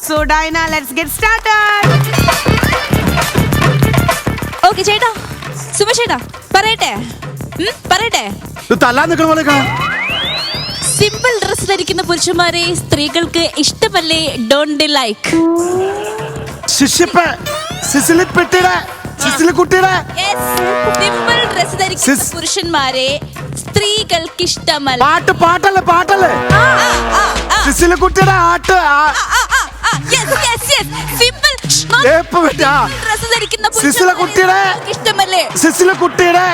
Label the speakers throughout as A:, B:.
A: So Diana, let's get started.
B: Okay, ചേട്ടാ സുമേഷ് ചേട്ടാ പറയട്ടെ
C: തല്ലാൻ നിൽക്കുന്ന പോലെ
B: സിമ്പിൾ ഡ്രസ് ധരിക്കുന്ന പുരുഷന്മാരെ സ്ത്രീകൾക്ക് ഇഷ്ടമല്ലേ? ഡോണ്ട് ലൈക്ക് സിമ്പിൾ ഡ്രസ് ധരിക്കുന്ന പുരുഷന്മാരെ സ്ത്രീകൾക്ക് ഇഷ്ടമല്ല.
C: പാട്ടല്ലേ സിസിലിക്കുട്ടിയുടെ ആട്ട്
B: ഡ്രസ് ധരിക്കുന്ന
C: സിസിലിക്കുട്ടിയുടെ
B: ഇഷ്ടമല്ലേ?
C: സിസിലിക്കുട്ടിയുടെ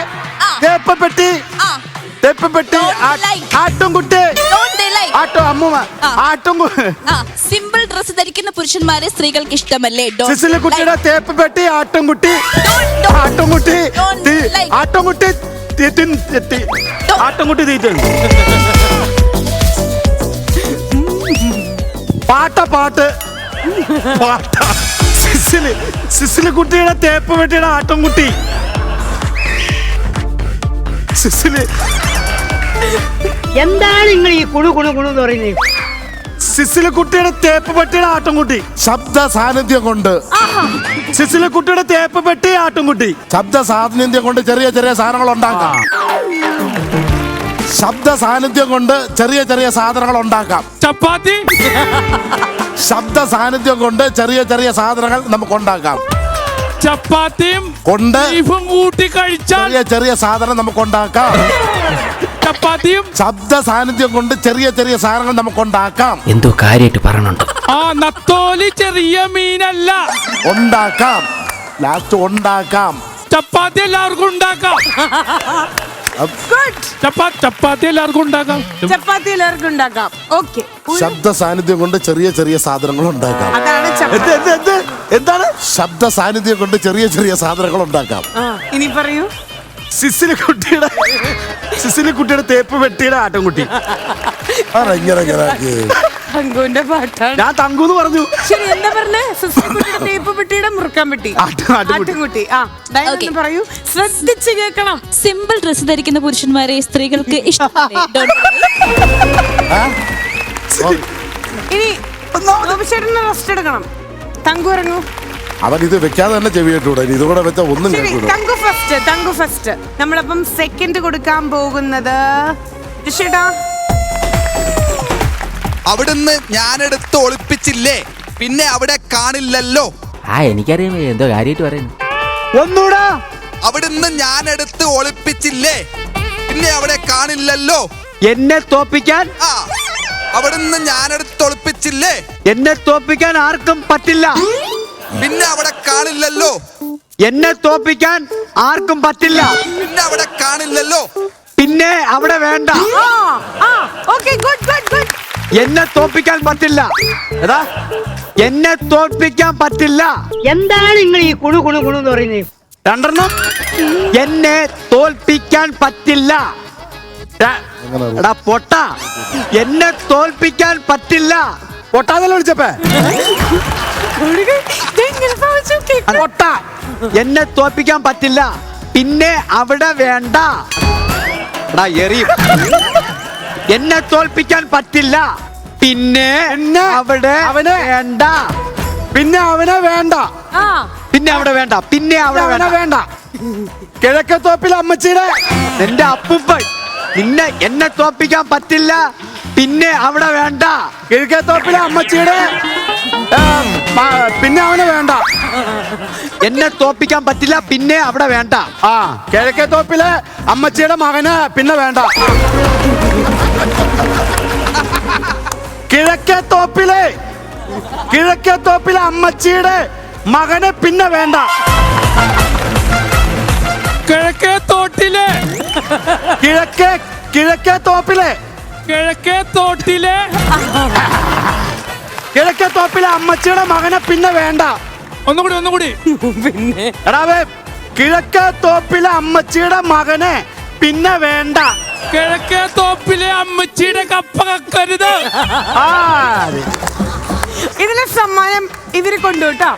C: തേപ്പപ്പെട്ടി ആട്ടുംകുട്ടി ആട്ടോ അമ്മൂമ്മ
B: സിമ്പിൾ ഡ്രസ് ധരിക്കുന്ന പുരുഷന്മാരെ സ്ത്രീകൾക്ക് ഇഷ്ടമല്ലേ?
C: സിസിലിക്കുട്ടിയുടെ തേപ്പപ്പെട്ടി ആട്ടുംകുട്ടി ആട്ടുംകുട്ടി തീറ്റ പാട്ട് സിസിലിക്കുട്ടിയുടെ തേപ്പപ്പെട്ടിയുടെ ആട്ടുംകുട്ടി
D: എന്താണ് നിങ്ങൾ ഈ കുണു എന്ന് പറയുന്നത്?
C: സിസിലിക്കുട്ടിയുടെ തേപ്പപ്പെട്ടിയുടെ ആട്ടുംകുട്ടി
E: ശബ്ദ സാന്നിധ്യം കൊണ്ട്
C: സിസിലിക്കുട്ടിയുടെ തേപ്പപ്പെട്ടി ആട്ടുംകുട്ടി
E: ശബ്ദ സാന്നിധ്യം കൊണ്ട് ചെറിയ ചെറിയ സാധനങ്ങൾ ഉണ്ടാക്കാം. ശബ്ദ സാന്നിധ്യം കൊണ്ട് ചെറിയ സാധനങ്ങൾ ഉണ്ടാക്കാം.
F: ചപ്പാത്തി.
E: ശബ്ദ സാന്നിധ്യം കൊണ്ട് ചെറിയ സാധനങ്ങൾ നമുക്ക് ഉണ്ടാക്കാം.
F: ചപ്പാത്തിയും
E: കൊണ്ട്
F: ബീഫും കൂട്ടി കഴിച്ചാൽ
E: ചെറിയ സാധനം നമുക്ക് ഉണ്ടാക്കാം.
F: ചപ്പാത്തിയും
E: ശബ്ദ സാന്നിധ്യം കൊണ്ട് ചെറിയ സാധനങ്ങൾ നമുക്ക് ഉണ്ടാക്കാം.
G: എന്തോ കാര്യമായിട്ട് പറയണുണ്ട്.
F: നത്തോലി ചെറിയ മീനല്ല.
E: ഉണ്ടാക്കാം. ലാസ്റ്റ് ഉണ്ടാക്കാം.
F: ചപ്പാത്തി എല്ലാവർക്കും ഉണ്ടാക്കാം. ചപ്പാത്തി എല്ലാവർക്കും ഉണ്ടാക്കാം.
A: Okay.
E: ശബ്ദ സാന്നിധ്യം കൊണ്ട് ചെറിയ സാധനങ്ങൾ ഉണ്ടാക്കാം.
A: അതാണ്
C: എന്താണ്
E: ശബ്ദ സാന്നിധ്യം കൊണ്ട് ചെറിയ സാധനങ്ങൾ ഉണ്ടാക്കാം.
A: ഇനി പറയൂ.
C: സിസിലിക്കുട്ടിയുടെ തേപ്പ് പെട്ടിയുടെ ആട്ടുംകുട്ടി.
A: തങ്കുവിന്റെ പാട്ടാണ്.
C: ഞാൻ തങ്കൂന്ന് പറഞ്ഞു.
A: ശരി, എന്താ പറഞ്ഞേ? സിസിലിക്കുട്ടിയുടെ തേപ്പ് പെട്ടിയുടെ മുറുക്കാൻ പെട്ടി ആട്ടുംകുട്ടി. ഡയന പറയൂ, ശ്രദ്ധിച്ച് കേൾക്കണം.
B: സിമ്പിൾ ഡ്രസ് ധരിക്കുന്ന പുരുഷന്മാരെ സ്ത്രീകൾക്ക് ഇഷ്ടമല്ലേ?
A: ഇനി ചേട്ടന് റെസ്റ്റ് എടുക്കണം. തങ്കു ഇറങ്ങൂ.
E: അവൻ ഇത് വെക്കാതെ തന്നെ ചെവിയിട്ടൂടെ, ഇതുകൂടെ വെച്ച ഒന്നും കേൾക്കൂല.
A: തങ്കു ഫസ്റ്റ്. നമ്മളപ്പം സെക്കൻഡ് കൊടുക്കാൻ പോകുന്നത് ചേട്ടാ.
H: അവിടുന്ന് ഞാനെടുത്ത് ഒളിപ്പിച്ചില്ലേ, പിന്നെ അവിടെ കാണില്ലല്ലോ.
G: എനിക്കറിയാം എന്തോ കാര്യമായിട്ട് പറയുന്നു.
C: ഒന്നൂടാ.
H: അവിടുന്ന് ഞാനെടുത്ത് ഒളിപ്പിച്ചില്ലേ, പിന്നെ അവിടെ കാണില്ലല്ലോ.
D: എന്നെ തോപ്പിക്കാൻ
H: അവിടുന്ന് ഞാനെടുത്ത് ഒളിപ്പിച്ചില്ലേ,
D: എന്നെ തോപ്പിക്കാൻ ആർക്കും പറ്റില്ല.
H: പിന്നെ അവിടെ കാണില്ലല്ലോ.
D: എന്നെ തോപ്പിക്കാൻ ആർക്കും പറ്റില്ല.
H: പിന്നെ അവിടെ കാണില്ലല്ലോ.
D: പിന്നെ അവിടെ വേണ്ട. എന്നെ തോപ്പിക്കാൻ പറ്റില്ല. എന്നെ തോൽപ്പിക്കാൻ പറ്റില്ല. എന്താണ് നിങ്ങൾ ഈ കുണു എന്ന് പറയുന്നത്?
C: രണ്ടെണ്ണം.
D: എന്നെ തോൽപ്പിക്കാൻ പറ്റില്ല. എടാ പൊട്ട, എന്നെ തോൽപ്പിക്കാൻ പറ്റില്ല.
C: പൊട്ടാതല്ല വിളിച്ചപ്പേ.
D: പൊട്ട, എന്നെ തോൽപ്പിക്കാൻ പറ്റില്ല. പിന്നെ അവിടെ വേണ്ട. എടാ എറിയും. എന്നെ തോൽപ്പിക്കാൻ പറ്റില്ല. പിന്നെ അവിടെ വേണ്ട.
C: പിന്നെ അവനെ വേണ്ട.
D: പിന്നെ അവിടെ വേണ്ട. പിന്നെ അവിടെ വേണ്ട.
C: കിഴക്കത്തോപ്പിലെ അമ്മച്ചിയുടെ
D: എന്റെ അപ്പൂപ്പൻ. നിന്നെ എന്നെ തോൽപ്പിക്കാൻ പറ്റില്ല. പിന്നെ അവിടെ വേണ്ട.
C: കിഴക്കത്തോപ്പിലെ അമ്മച്ചിയുടെ പിന്നെ അവനെ വേണ്ട.
D: എന്നെ തോൽപ്പിക്കാൻ പറ്റില്ല. പിന്നെ അവിടെ വേണ്ട.
C: കിഴക്കത്തോപ്പിലെ അമ്മച്ചിയുടെ മകന് പിന്നെ വേണ്ട. കിഴക്കത്തോപ്പിലെ അമ്മച്ചിയുടെ മകന് പിന്നെ വേണ്ട.
F: കിഴക്കേത്തോട്ടിലെ
C: അമ്മച്ചിയുടെ മകനെ പിന്നെ വേണ്ട.
F: ഒന്നുകൂടി.
A: പിന്നെ
C: കിഴക്കേത്തോപ്പിലെ അമ്മച്ചിയുടെ മകനെ പിന്നെ വേണ്ട.
F: കിഴക്കേത്തോപ്പിലെ അമ്മച്ചിയുടെ കപ്പ കക്കരുത്.
A: ഇതിലെ സമ്മാനം ഇവര് കൊണ്ടുപോട്ടോ.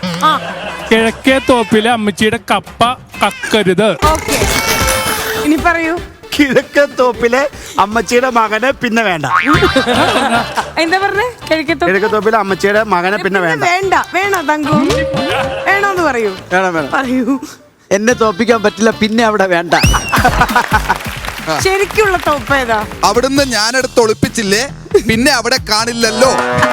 F: കിഴക്കേത്തോപ്പിലെ അമ്മച്ചിയുടെ കപ്പ കക്കരുത്.
A: ഓക്കെ, ഇനി പറയൂ.
C: കിഴക്കേ തോപ്പിലെ അമ്മച്ചിയുടെ മകനെ പിന്നെ വേണ്ട.
A: എന്താ പറഞ്ഞേ?
C: കിഴക്കേ തോപ്പിലെ അമ്മച്ചിയുടെ മകനെ പിന്നെ വേണ്ട.
A: വേണ്ട വേണോ തങ്കു? വേണോന്ന് പറയൂ.
D: വേണം.
A: പറയൂ.
D: എന്നെ തോപ്പിക്കാൻ പറ്റില്ല, പിന്നെ അവിടെ വേണ്ട.
A: ശരിക്കുള്ള തോപ്പ് ഏതാ?
H: അവിടുന്ന് ഞാനെടുത്ത് ഒളിപ്പിച്ചില്ലേ, പിന്നെ അവിടെ കാണില്ലല്ലോ.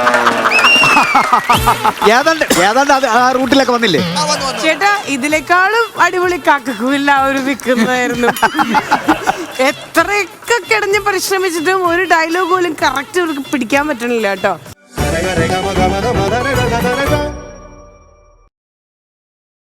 D: ഏതാണ്ട് അത് ആ റൂട്ടിലൊക്കെ വന്നില്ലേ?
H: ആ, വന്നു.
A: ചേട്ടാ ഇതിനേക്കാളും അടിപൊളി കാക്കക്കൂല്ല ഒരു വിൽക്കുന്നതായിരുന്നു. എത്രയൊക്കെ കിടഞ്ഞ് പരിശ്രമിച്ചിട്ടും ഒരു ഡയലോഗ് പോലും കറക്റ്റ് അവർക്ക് പിടിക്കാൻ പറ്റണില്ല കേട്ടോ.